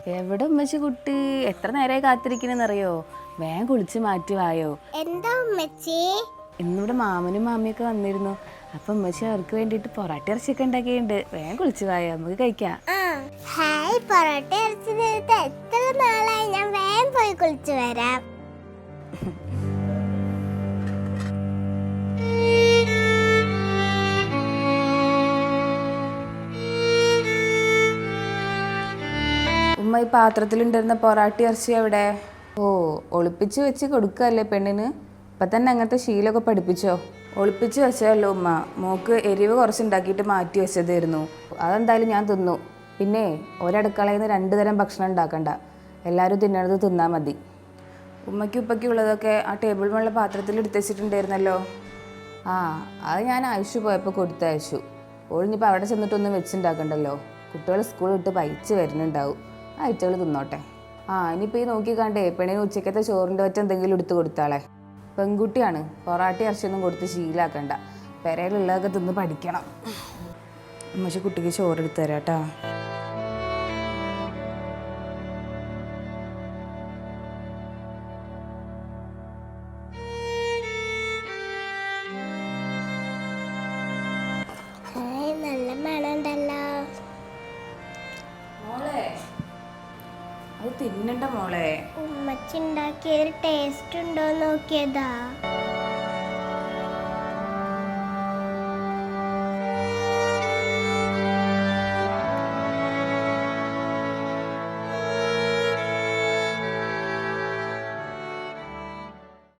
എവിടെ ഉമ്മച്ചി കുട്ടി എത്ര നേരമായി കാത്തിരിക്കണെന്നറിയോ? വേഗം കുളിച്ച് മാറ്റുവായോ? എന്താ ഉമ്മച്ചി? ഇന്നിവിടെ മാമനും മാമിയൊക്കെ വന്നിരുന്നു. അപ്പൊ ഉമ്മച്ചി അവർക്ക് വേണ്ടിട്ട് പൊറാട്ട ഇറച്ചിയൊക്കെ ഉണ്ടാക്കിയിട്ടുണ്ട്. വേഗം കുളിച്ച് വായോ, നമുക്ക് കഴിക്കാം. ഹായ്, പൊറോട്ട ഇറച്ചി നേരത്തെ എത്ര നാളായി. ഞാൻ വേഗം പോയി കുളിച്ചു വരാം. ഉമ്മ ഈ പാത്രത്തിലുണ്ടായിരുന്ന പൊറാട്ട ഇറച്ചി എവിടെ? ഓ, ഒളിപ്പിച്ച് വെച്ച് കൊടുക്കല്ലേ പെണ്ണിന്? ഇപ്പം തന്നെ അങ്ങനത്തെ ശീലമൊക്കെ പഠിപ്പിച്ചോ? ഒളിപ്പിച്ച് വെച്ചതല്ലോ ഉമ്മ, മോക്ക് എരിവ് കുറച്ചുണ്ടാക്കിയിട്ട് മാറ്റി വെച്ചതായിരുന്നു. അതെന്തായാലും ഞാൻ തിന്നു. പിന്നെ ഒരടുക്കളയിൽ നിന്ന് 2 തരം ഭക്ഷണം ഉണ്ടാക്കണ്ട, എല്ലാവരും തിന്നണത് തിന്നാൽ മതി. ഉമ്മയ്ക്കും ഉപ്പയ്ക്കും ഉള്ളതൊക്കെ ആ ടേബിൾ മുള്ള പാത്രത്തിൽ എടുത്ത് വെച്ചിട്ടുണ്ടായിരുന്നല്ലോ. ആ, അത് ഞാൻ ആയുഷ് പോയപ്പോൾ കൊടുത്തയച്ചു. ഒഴിഞ്ഞിപ്പോൾ അവിടെ ചെന്നിട്ടൊന്നും വെച്ചുണ്ടാക്കണ്ടല്ലോ. കുട്ടികൾ സ്കൂൾ വിട്ട് പയിച്ച് വരുന്നുണ്ടാവും, ആ ഐറ്റകൾ തിന്നോട്ടെ. ഇനിയിപ്പോൾ ഈ നോക്കിക്കാണ്ടേ പെണ്ണിന് ഉച്ചക്കത്തെ ചോറിൻ്റെ ഒറ്റ എന്തെങ്കിലും എടുത്ത് കൊടുത്താളെ. പെൺകുട്ടിയാണ്, പൊറാട്ട ഇറച്ചിയൊന്നും കൊടുത്ത് ശീലാക്കണ്ട. പെരയിലുള്ളതൊക്കെ തിന്ന് പഠിക്കണം. ഉമ്മച്ചി കുട്ടിക്ക് ചോറെടുത്ത് തരാം കേട്ടോ. നല്ല മണമുണ്ടല്ലോ. മോളെ, അത് തിന്നണ്ട മോളെ. ഉമ്മച്ചി ഉണ്ടാക്കിയ ടേസ്റ്റ് ഉണ്ടോ നോക്കിയതാ.